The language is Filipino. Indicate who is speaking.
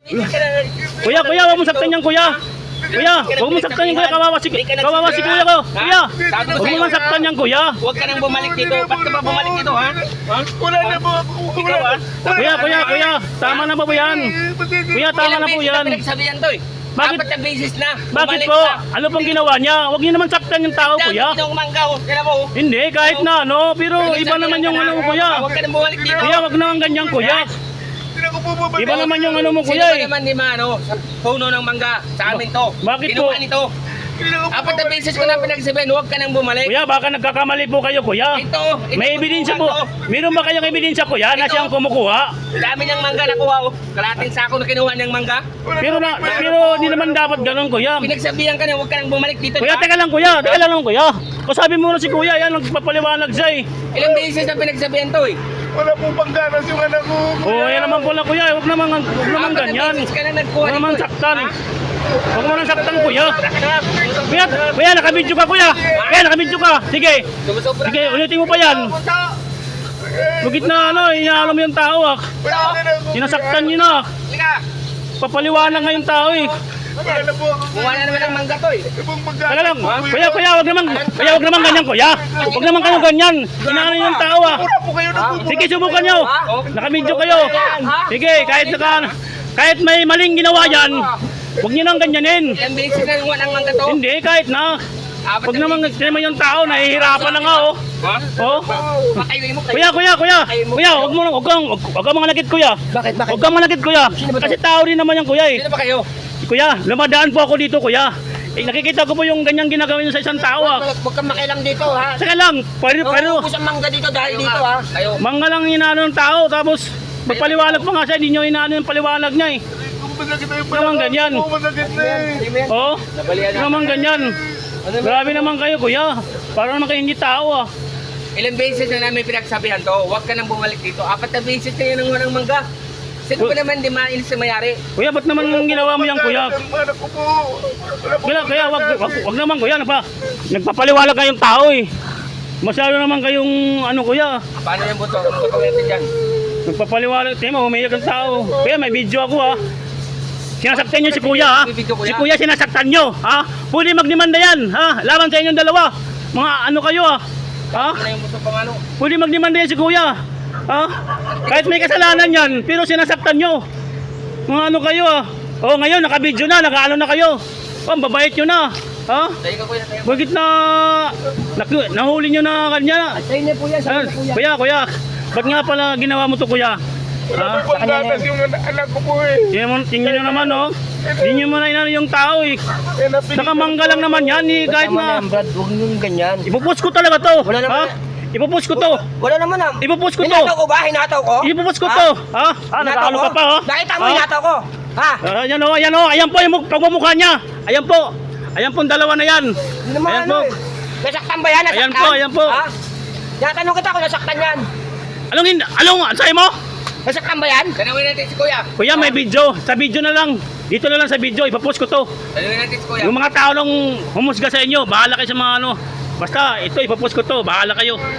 Speaker 1: Kuya, huwag mo saktan yan, kuya. Kuya, huwag mo saktan yan, kuya. Kawawa si kuya ko. Kuya, huwag mo saktan yan, kuya.
Speaker 2: Huwag ka nang bumalik dito. Ba't ka ba bumalik dito, ha?
Speaker 3: Wala na po ako.
Speaker 2: Ikaw, ha?
Speaker 1: Kuya. Tama na ba po yan? Kuya, tama na po yan.
Speaker 2: Pinagsabihan to, eh.
Speaker 1: Bakit?
Speaker 2: Apat na beses na.
Speaker 1: Bakit
Speaker 2: Bumalik
Speaker 1: po?
Speaker 2: ka.
Speaker 1: Ano pong ginawa niya? Huwag niyo naman saktan yung tao, kuya.
Speaker 2: Dami itong manggaw. Kaya mo.
Speaker 1: Hindi, kahit na ano. Pero iba naman yung ano mo, kuya.
Speaker 2: Huwag ka nang bumalik dito.
Speaker 1: Kuya, huwag naman ganyan, kuya.
Speaker 3: Hindi ako po babalik.
Speaker 1: Iba naman yung ano mo,
Speaker 2: Sino
Speaker 1: kuya
Speaker 2: ba
Speaker 1: eh.
Speaker 2: naman di maano? Sa puno ng mangga. Sa amin to.
Speaker 1: Bakit po?
Speaker 2: Kinuha nito.
Speaker 3: Hindi ako po
Speaker 2: Apat na
Speaker 3: babalik.
Speaker 2: beses ko na pinagsabihan. Huwag ka nang bumalik.
Speaker 1: Kuya, baka nagkakamali po kayo, kuya.
Speaker 2: Ito.
Speaker 1: May ebidensya po. Meron ba kayong ebidensya, kuya, na siyang kumukuha?
Speaker 2: Dami niyang mangga nakuha. Oh. Kalating sako na kinuha niyang mangga.
Speaker 1: Pero hindi naman dapat ganun, kuya.
Speaker 2: Pinagsabihan ka na huwag ka nang bumalik dito.
Speaker 1: Kuya, teka lang, kuya. Kuya. Kasabi mo na si kuya, yan, nagpapaliwanag siya eh.
Speaker 2: Ilang beses na pinagsabihan to, eh.
Speaker 3: Wala pong pangganas yung anak ko.
Speaker 1: Oo, yan naman pala, kuya. Huwag naman
Speaker 2: Apat na
Speaker 1: ganyan.
Speaker 2: beses ka na nagkuha
Speaker 1: Huwag naman
Speaker 2: dito, eh.
Speaker 1: saktan. Huwag mo nang saktan, kuya. Kuya, nakabidyo ka, kuya. Kuya, nakabidyo ka. Sige.
Speaker 2: Sumusobra
Speaker 1: Sige,
Speaker 2: ka.
Speaker 1: ulitin mo pa yan. Bukit na ano, inaalam mo yung tao ah.
Speaker 3: Wala na ako.
Speaker 1: Sinasaktan niyo na.
Speaker 2: Halika.
Speaker 1: Papaliwanag nga yung tao eh.
Speaker 3: Wala na po ako.
Speaker 2: Kumuha na naman ng mangga to, eh.
Speaker 3: Ibang
Speaker 1: Teka lang,
Speaker 3: pangganas.
Speaker 1: kuya, wag naman ganyan, kuya. Wag naman kayo ganyan. Inaano niyo yung tao ah.
Speaker 3: Wala po kayo na po.
Speaker 1: Sige, subukan nyo. Nakabidyo kayo. Sige, kahit may maling ginawa yan, huwag nyo nang ganyanin.
Speaker 2: Ilang beses na nakuha ng mangga to.
Speaker 1: Hindi, kahit na.
Speaker 2: Apat
Speaker 1: Huwag
Speaker 2: na
Speaker 1: naman
Speaker 2: beses.
Speaker 1: naman yung tao, nahihirapan na nga oh.
Speaker 2: Ha?
Speaker 1: Oh.
Speaker 2: Pakayway mo kayo.
Speaker 1: Kuya, huwag kang manakit, kuya.
Speaker 2: Bakit?
Speaker 1: Huwag kang manakit, kuya. Kasi tao rin naman yan, kuya eh.
Speaker 2: Sino ba kayo?
Speaker 1: Kuya, lumadaan po ako dito, kuya. Nakikita ko po yung ganyang ginagawa niyo sa isang tao ah.
Speaker 2: Huwag kang makilang dito, ha?
Speaker 1: Saka lang, pero
Speaker 2: Ubus ang mangga dito dahil dito, ha? Kayo.
Speaker 1: mangga lang inaano ng tao, tapos magpaliwanag pa nga siya, hindi nyo inaano yung paliwanag niya eh.
Speaker 3: Masakit na yung
Speaker 1: Naman ganyan.
Speaker 3: Oo, masakit na eh.
Speaker 1: Oo,
Speaker 2: Nabalian na.
Speaker 1: naman ganyan. Grabe naman kayo, kuya. Para naman kayo hindi tao ah.
Speaker 2: Ilang beses na namin pinagsabihan to, huwag ka nang bumalik dito. Apat na beses na yan ang ng mangga. Sino ba naman di mainis sa mayari?
Speaker 1: Kuya, ba't naman ginawa mo yan, kuya?
Speaker 3: Ang anak ko po. Wala po.
Speaker 1: Kaya wag naman, kuya. Nagpapaliwanag kayong tao eh. Masyado naman kayong ano, kuya.
Speaker 2: Paano yung buto? Ano gagawin natin dyan?
Speaker 1: Nagpapaliwanag. Tingnan mo, umiyak ang tao. Kuya, may video ako ah. Sinasaktan nyo si kuya ha. Si kuya sinasaktan nyo ha. Pwede magdemanda yan ha. Laban sa inyong dalawa. Mga ano kayo ha. Ha?
Speaker 2: Ano yung buto pang ano?
Speaker 1: Pwede magdemanda yan si kuya. Ha? Kahit may kasalanan yan, pero sinasaktan nyo. Mga ano kayo ha. O ngayon, nakabidyo na, nakaano na kayo. O, babait nyo na. Ha?
Speaker 2: Tayo ka kuya, tayo.
Speaker 1: Bakit na nahuli nyo na kanya?
Speaker 2: Tayo na po yan,
Speaker 1: Kuya. Ba't nga pala ginawa mo to, kuya?
Speaker 3: Wala po pangganas yung anak ko po eh.
Speaker 1: Tingnan nyo naman, oh. Hindi nyo man inano yung tao, eh.
Speaker 3: Eh, napili-
Speaker 1: Nakamangga lang naman yan, eh. Kahit na...
Speaker 2: Brad, huwag nyo ganyan.
Speaker 1: Ipupost ko talaga to.
Speaker 2: Wala naman.
Speaker 1: Ha? Ipupost ko to.
Speaker 2: Wala naman ah.
Speaker 1: Ipupost ko to.
Speaker 2: Hinataw ko ba? Hinataw ko?
Speaker 1: Ipupost ko to. Ha? Nag-ano ka pa, ha?
Speaker 2: Nakita mo
Speaker 1: Ha?
Speaker 2: hinataw ko? Ha?
Speaker 1: Ayan, oh. Ayan po yung pagmumukha niya. Ayan po. Ayan po, dalawa na yan.
Speaker 2: Hindi naman
Speaker 1: Ayan
Speaker 2: ano
Speaker 1: po.
Speaker 2: eh. Nasaktan ba yan? Nasaktan?
Speaker 1: Ayan po.
Speaker 2: Ha? Tinatanong kita kung nasaktan yan.
Speaker 1: Anong ansay mo?
Speaker 2: Nasaktan ba yan? Tanawin natin si kuya.
Speaker 1: Kuya, may video. Sa video na lang. Dito na lang sa video. Ipapost ko to.
Speaker 2: Tanawin natin si kuya.
Speaker 1: Yung mga tao nung humusga sa inyo, bahala kayo sa mga ano. Basta, ito, ipapost ko to. Bahala kayo.